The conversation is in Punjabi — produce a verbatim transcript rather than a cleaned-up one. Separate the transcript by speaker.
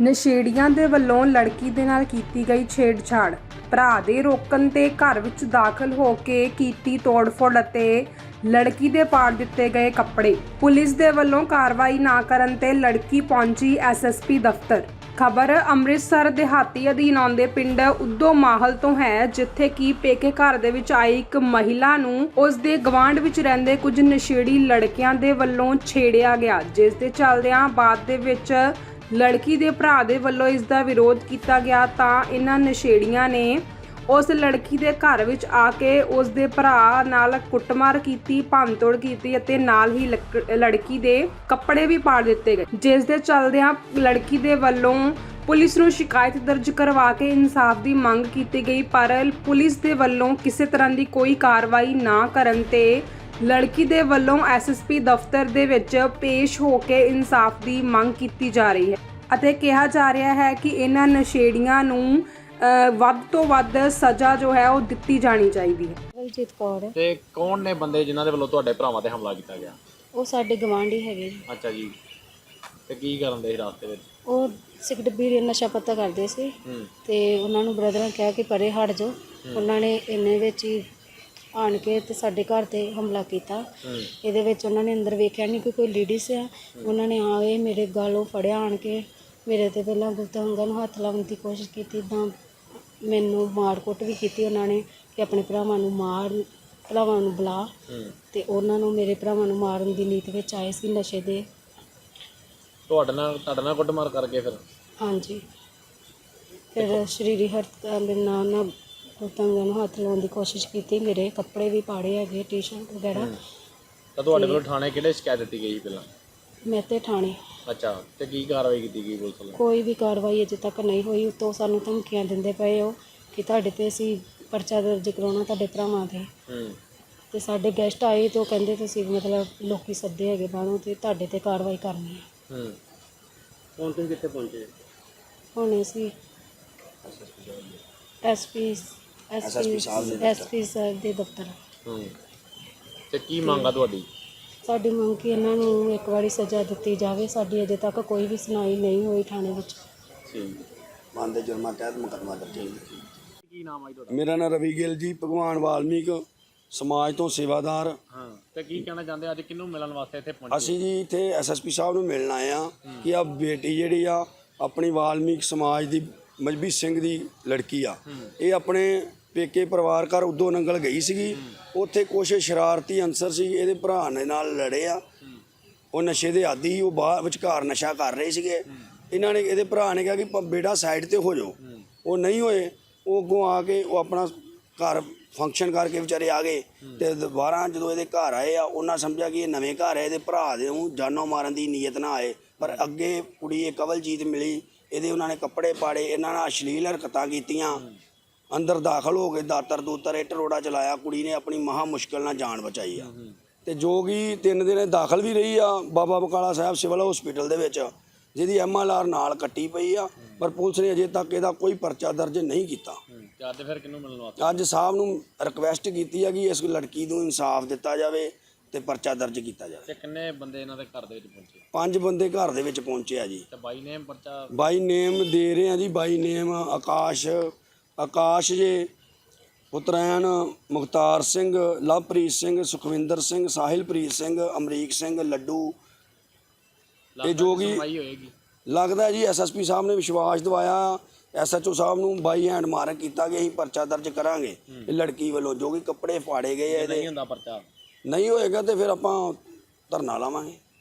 Speaker 1: ਨਸ਼ੇੜੀਆਂ ਦੇ ਵੱਲੋਂ ਲੜਕੀ ਦੇ ਨਾਲ ਕੀਤੀ ਗਈ ਛੇੜਛਾੜ। ਭਰਾ ਦੇ ਰੋਕਣ ਤੇ ਘਰ ਵਿੱਚ ਦਾਖਲ ਹੋ ਕੇ ਕੀਤੀ ਤੋੜਫੋੜ ਅਤੇ ਲੜਕੀ ਦੇ ਪਾੜ ਦਿੱਤੇ ਗਏ ਕੱਪੜੇ। ਪੁਲਿਸ ਦੇ ਵੱਲੋਂ ਕਾਰਵਾਈ ਨਾ ਕਰਨ ਤੇ ਲੜਕੀ ਪਹੁੰਚੀ ਐਸ ਐਸ ਪੀ ਦਫ਼ਤਰ। ਖਬਰ ਅੰਮ੍ਰਿਤਸਰ ਦਿਹਾਤੀ ਅਧੀਨ ਆਉਂਦੇ ਪਿੰਡ ਉਦੋਂ ਮਾਹਲ ਤੋਂ ਹੈ, ਜਿੱਥੇ ਕਿ ਪੇਕੇ ਘਰ ਦੇ ਵਿੱਚ ਆਈ ਇੱਕ ਮਹਿਲਾ ਨੂੰ ਉਸ ਦੇ ਗਵਾਂਢ ਵਿੱਚ ਰਹਿੰਦੇ ਕੁਝ ਨਸ਼ੇੜੀ ਲੜਕਿਆਂ ਦੇ ਵੱਲੋਂ ਛੇੜਿਆ ਗਿਆ, ਜਿਸ ਦੇ ਚੱਲਦਿਆਂ ਬਾਅਦ ਦੇ ਵਿੱਚ ਲੜਕੀ ਦੇ ਭਰਾ ਦੇ ਵੱਲੋਂ ਇਸ ਦਾ ਵਿਰੋਧ ਕੀਤਾ ਗਿਆ ਤਾਂ ਇਹਨਾਂ ਨਸ਼ੇੜੀਆਂ ਨੇ ਉਸ ਲੜਕੀ ਦੇ ਘਰ ਵਿੱਚ ਆ ਕੇ ਉਸ ਦੇ ਭਰਾ ਨਾਲ ਕੁੱਟਮਾਰ ਕੀਤੀ, ਭੰਨਤੋੜ ਕੀਤੀ ਅਤੇ ਨਾਲ ਹੀ ਲੜਕੀ ਦੇ ਕੱਪੜੇ ਵੀ ਪਾੜ ਦਿੱਤੇ ਗਏ, ਜਿਸ ਦੇ ਚੱਲਦਿਆਂ ਲੜਕੀ ਦੇ ਵੱਲੋਂ ਪੁਲਿਸ ਨੂੰ ਸ਼ਿਕਾਇਤ ਦਰਜ ਕਰਵਾ ਕੇ ਇਨਸਾਫ ਦੀ ਮੰਗ ਕੀਤੀ ਗਈ। ਪਰ ਪੁਲਿਸ ਦੇ ਵੱਲੋਂ ਕਿਸੇ ਤਰ੍ਹਾਂ ਦੀ ਕੋਈ ਕਾਰਵਾਈ ਨਾ ਕਰਨ ਤੇ ਲੜਕੀ ਦੇ ਵੱਲੋਂ ਐਸ ਐਸ ਪੀ ਦਫ਼ਤਰ ਦੇ ਵਿੱਚ ਪੇਸ਼ ਹੋ ਕੇ ਇਨਸਾਫ ਦੀ ਮੰਗ ਕੀਤੀ ਜਾ ਰਹੀ ਹੈ ਅਤੇ ਕਿਹਾ ਜਾ ਰਿਹਾ ਹੈ ਕਿ ਇਹਨਾਂ ਨਸ਼ੇੜੀਆਂ ਨੂੰ ਵੱਧ ਤੋਂ ਵੱਧ ਸਜ਼ਾ ਜੋ ਹੈ ਉਹ ਦਿੱਤੀ ਜਾਣੀ ਚਾਹੀਦੀ ਹੈ।
Speaker 2: ਬਲਜੀਤ ਕੌਰ।
Speaker 3: ਤੇ ਕੌਣ ਨੇ ਬੰਦੇ ਜਿਨ੍ਹਾਂ ਦੇ ਵੱਲੋਂ ਤੁਹਾਡੇ ਭਰਾਵਾਂ ਤੇ ਹਮਲਾ ਕੀਤਾ ਗਿਆ?
Speaker 2: ਉਹ ਸਾਡੇ ਗਵਾਂਢੀ ਹੈਗੇ ਜੀ।
Speaker 3: ਅੱਛਾ ਜੀ। ਤੇ ਕੀ ਕਰਨ ਦੇ ਸੀ ਰਾਸਤੇ ਵਿੱਚ?
Speaker 2: ਉਹ ਸਿਗਰਟ ਬੀੜੀ ਨਸ਼ਾ ਪੱਤਾ ਕਰਦੇ ਸੀ ਤੇ ਉਹਨਾਂ ਨੂੰ ਬ੍ਰਦਰਾਂ ਕਿਹਾ ਕਿ ਪਰੇ ਹਟ ਜਾਓ। ਉਹਨਾਂ ਨੇ ਇੰਨੇ ਵਿੱਚ ਹੀ ਆਣ ਕੇ ਤੇ ਸਾਡੇ ਘਰ ਤੇ ਹਮਲਾ ਕੀਤਾ। ਇਹਦੇ ਵਿੱਚ ਉਹਨਾਂ ਨੇ ਅੰਦਰ ਵੇਖਿਆ ਨਹੀਂ ਕਿ ਕੋਈ ਲੇਡੀਜ਼ ਆ। ਉਹਨਾਂ ਨੇ ਆ ਕੇ ਮੇਰੇ ਗਾਲੋਂ ਫੜਿਆ, ਆਣ ਕੇ ਮੇਰੇ ਤੇ ਪਹਿਲਾਂ ਗੁਪਤ ਅੰਗਾਂ ਨੂੰ ਹੱਥ ਲਾਉਣ ਦੀ ਕੋਸ਼ਿਸ਼ ਕੀਤੀ, ਤਾਂ ਮੈਨੂੰ ਮਾਰ ਕੁੱਟ ਵੀ ਕੀਤੀ ਉਹਨਾਂ ਨੇ ਕਿ ਆਪਣੇ ਭਰਾਵਾਂ ਨੂੰ ਮਾਰ, ਭਰਾਵਾਂ ਨੂੰ ਬੁਲਾ। ਤੇ ਉਹਨਾਂ ਨੂੰ ਮੇਰੇ ਭਰਾਵਾਂ ਨੂੰ ਮਾਰਨ ਦੀ ਨੀਤ ਵਿੱਚ ਆਏ ਸੀ ਨਸ਼ੇ ਦੇ।
Speaker 3: ਤੁਹਾਡੇ ਨਾਲ ਤੁਹਾਡੇ ਨਾਲ ਕੁੱਟਮਾਰ ਕਰਕੇ ਫਿਰ? ਹਾਂਜੀ।
Speaker 2: ਫਿਰ ਸਰੀਰੀ ਹਰਕਤਾਂ ਦੇ ਨਾਲ ਨਾ ਗੁਪਤਾਂਗਾਂ ਨੂੰ ਹੱਥ ਲਾਉਣ ਦੀ ਕੋਸ਼ਿਸ਼ ਕੀਤੀ। ਮੇਰੇ ਕੱਪੜੇ ਵੀ ਪਾੜੇ ਹੈਗੇ, ਟੀ ਸ਼ਰਟ ਵਗੈਰਾ।
Speaker 3: ਤਾਂ ਤੁਹਾਡੇ ਵੱਲੋਂ ਥਾਣੇ ਕਿਹੜੇ ਸ਼ਿਕਾਇਤ ਦਿੱਤੀ ਗਈ ਪਹਿਲਾਂ?
Speaker 2: ਮੈਂ ਤੇ ਥਾਣੇ।
Speaker 3: ਅੱਛਾ। ਤੇ ਕੀ ਕਾਰਵਾਈ ਕੀਤੀ ਗਈ ਪੁਲਿਸ ਵੱਲੋਂ?
Speaker 2: ਕੋਈ ਵੀ ਕਾਰਵਾਈ ਅਜੇ ਤੱਕ ਨਹੀਂ ਹੋਈ। ਉੱਤੋਂ ਸਾਨੂੰ ਧਮਕੀਆਂ ਦਿੰਦੇ ਪਏ ਹੋ ਕਿ ਤੁਹਾਡੇ ਤੇ ਅਸੀਂ ਪਰਚਾ ਦਰਜ ਕਰਾਉਣਾ ਤੁਹਾਡੇ ਭਰਾਵਾਂ ਤੇ। ਤੇ ਸਾਡੇ ਗੈਸਟ ਆਏ ਤੇ ਉਹ ਕਹਿੰਦੇ ਤੁਸੀਂ ਮਤਲਬ ਲੋਕੀ ਸੱਦੇ ਹੈਗੇ ਬਾਹਰੋਂ ਤੇ ਤੁਹਾਡੇ ਤੇ ਕਾਰਵਾਈ ਕਰਨੀ ਹੈ।
Speaker 3: ਹੁਣ ਤੁਸੀਂ ਕਿੱਥੇ ਪਹੁੰਚੇ?
Speaker 2: ਹੁਣ ਅਸੀਂ S P S P S P ਸਾਹਿਬ ਦੇ ਦਫ਼ਤਰ।
Speaker 3: ਤੇ ਕੀ ਮੰਗ ਆ ਤੁਹਾਡੀ?
Speaker 2: ਸਾਡੀ ਮੰਗ ਕਿ ਇਹਨਾਂ ਨੂੰ ਇੱਕ ਵਾਰੀ ਸਜ਼ਾ ਦਿੱਤੀ ਜਾਵੇ। ਸਾਡੀ ਅਜੇ ਤੱਕ ਕੋਈ ਵੀ ਸੁਣਾਈ ਨਹੀਂ ਹੋਈ ਥਾਣੇ ਵਿੱਚ।
Speaker 4: ਮਨ ਦੇ ਜੁਰਮਾਂ ਤਹਿਤ ਮੁਕੱਦਮਾ ਦਰਜ ਹੈ।
Speaker 3: ਕੀ ਨਾਮ ਆ ਜੀ ਤੁਹਾਡਾ?
Speaker 4: ਮੇਰਾ ਨਾਮ ਰਵੀ ਗਿੱਲ ਜੀ, ਭਗਵਾਨ ਵਾਲਮੀਕ ਸਮਾਜ ਤੋਂ ਸੇਵਾਦਾਰ।
Speaker 3: ਹਾਂ। ਤੇ ਕੀ ਕਹਿਣਾ ਚਾਹੁੰਦੇ ਅੱਜ ਕਿਹਨੂੰ ਮਿਲਣ ਵਾਸਤੇ ਇੱਥੇ ਪਹੁੰਚੇ?
Speaker 4: ਅਸੀਂ ਜੀ ਇੱਥੇ ਐਸ ਐਸ ਪੀ ਸਾਹਿਬ ਨੂੰ ਮਿਲਣ ਆਏ ਆ ਕਿ ਆ ਬੇਟੀ ਜਿਹੜੀ ਆ ਆਪਣੀ ਵਾਲਮੀਕ ਸਮਾਜ ਦੀ ਮਜਬੀ ਸਿੰਘ ਦੀ ਲੜਕੀ ਆ, ਇਹ ਆਪਣੇ ਪੇਕੇ ਪਰਿਵਾਰ ਘਰ ਉਦੋਂ ਨੰਗਲ ਗਈ ਸੀਗੀ। ਉੱਥੇ ਕੁਛ ਸ਼ਰਾਰਤੀ ਅਨਸਰ ਸੀ, ਇਹਦੇ ਭਰਾ ਨੇ ਨਾਲ ਲੜੇ ਆ। ਉਹ ਨਸ਼ੇ ਦੇ ਆਦੀ, ਉਹ ਬਾਹਰ ਵਿਚਕਾਰ ਨਸ਼ਾ ਕਰ ਰਹੇ ਸੀਗੇ। ਇਹਨਾਂ ਨੇ, ਇਹਦੇ ਭਰਾ ਨੇ ਕਿਹਾ ਕਿ ਬੇਟਾ ਸਾਈਡ ਤੇ ਹੋ ਜਾਓ। ਉਹ ਨਹੀਂ ਹੋਏ। ਉਹ ਅੱਗੋਂ ਆ ਕੇ ਉਹ ਆਪਣਾ ਘਰ ਫੰਕਸ਼ਨ ਕਰਕੇ ਵਿਚਾਰੇ ਆ ਗਏ। ਤੇ ਦੁਬਾਰਾ ਜਦੋਂ ਇਹਦੇ ਘਰ ਆਏ ਆ, ਉਹਨਾਂ ਸਮਝਿਆ ਕਿ ਇਹ ਨਵੇਂ ਘਰ ਹੈ, ਇਹਦੇ ਭਰਾ ਦੇ ਨੂੰ ਜਾਨੋਂ ਮਾਰਨ ਦੀ ਨੀਅਤ ਨਾ ਆਏ। ਪਰ ਅੱਗੇ ਕੁੜੀ ਇਹ ਕਵਲਜੀਤ ਮਿਲੀ, ਇਹਦੇ ਉਹਨਾਂ ਨੇ ਕੱਪੜੇ ਪਾੜੇ, ਇਹਨਾਂ ਨਾਲ ਅਸ਼ਲੀਲ ਹਰਕਤਾਂ ਕੀਤੀਆਂ। ਅੰਦਰ ਦਾਖਲ ਹੋ ਕੇ ਦਾਤਰ ਦੂਤਰ ਇੱਟ ਰੋੜਾ ਚਲਾਇਆ। ਕੁੜੀ ਨੇ ਆਪਣੀ ਮਹਾ ਮੁਸ਼ਕਿਲ ਨਾਲ ਜਾਨ ਬਚਾਈ ਆ। ਤੇ ਜੋ ਕਿ ਤਿੰਨ ਦਿਨ ਦਾਖਲ ਵੀ ਰਹੀ ਆ ਬਾਬਾ ਬਕਾਲਾ ਸਾਹਿਬ ਸਿਵਲ ਹਸਪੀਟਲ ਦੇ ਵਿੱਚ, ਜਿਹਦੀ ਐਮ ਐਲ ਆਰ ਨਾਲ ਕੱਟੀ ਪਈ ਆ। ਪਰ ਪੁਲਿਸ ਨੇ ਅਜੇ ਤੱਕ ਇਹਦਾ ਕੋਈ ਪਰਚਾ ਦਰਜ ਨਹੀਂ ਕੀਤਾ।
Speaker 3: ਅੱਜ ਫਿਰ ਕਿਹਨੂੰ ਮਿਲਣ ਵਾਸਤੇ?
Speaker 4: ਅੱਜ ਸਾਹਿਬ ਨੂੰ ਰਿਕਵੈਸਟ ਕੀਤੀ ਹੈ ਕਿ ਇਸ ਲੜਕੀ ਨੂੰ ਇਨਸਾਫ ਦਿੱਤਾ ਜਾਵੇ ਤੇ ਪਰਚਾ ਦਰਜ ਕੀਤਾ ਜਾਵੇ।
Speaker 3: ਤੇ ਕਿੰਨੇ ਬੰਦੇ ਇਹਨਾਂ ਦੇ ਘਰ ਦੇ ਵਿੱਚ ਪਹੁੰਚੇ?
Speaker 4: ਪੰਜ ਬੰਦੇ ਘਰ ਦੇ ਵਿੱਚ ਪਹੁੰਚੇ ਆ ਜੀ।
Speaker 3: ਤੇ ਬਾਈ ਨੇਮ ਪਰਚਾ?
Speaker 4: ਬਾਈ ਨੇਮ ਦੇ ਰਹੇ ਆ ਜੀ। ਬਾਈ ਨੇਮ ਆਕਾਸ਼ ਆਕਾਸ਼ ਜੇ, ਉਤਰੈਣ ਮੁਖਤਾਰ ਸਿੰਘ, ਲਵਪ੍ਰੀਤ ਸਿੰਘ, ਸੁਖਵਿੰਦਰ ਸਿੰਘ, ਸਾਹਿਲਪ੍ਰੀਤ ਸਿੰਘ, ਅਮਰੀਕ ਸਿੰਘ, ਲੱਡੂ। ਇਹ ਜੋ ਕਿ ਲੱਗਦਾ ਜੀ ਐਸ ਐਸ ਪੀ ਸਾਹਿਬ ਨੇ ਵਿਸ਼ਵਾਸ ਦਿਵਾਇਆ ਐਸ ਐਚ ਓ ਸਾਹਿਬ ਨੂੰ, ਬਾਈ ਹੈਂਡ ਮਾਰਕ ਕੀਤਾ ਕਿ ਅਸੀਂ ਪਰਚਾ ਦਰਜ ਕਰਾਂਗੇ ਇਹ ਲੜਕੀ ਵੱਲੋਂ। ਜੋ ਕਿ ਕੱਪੜੇ ਫਾੜੇ ਗਏ ਇਹਦੇ,
Speaker 3: ਨਹੀਂ ਹੁੰਦਾ ਪਰਚਾ,
Speaker 4: ਨਹੀਂ ਹੋਏਗਾ ਤੇ ਫਿਰ ਆਪਾਂ ਧਰਨਾ ਲਾਵਾਂਗੇ।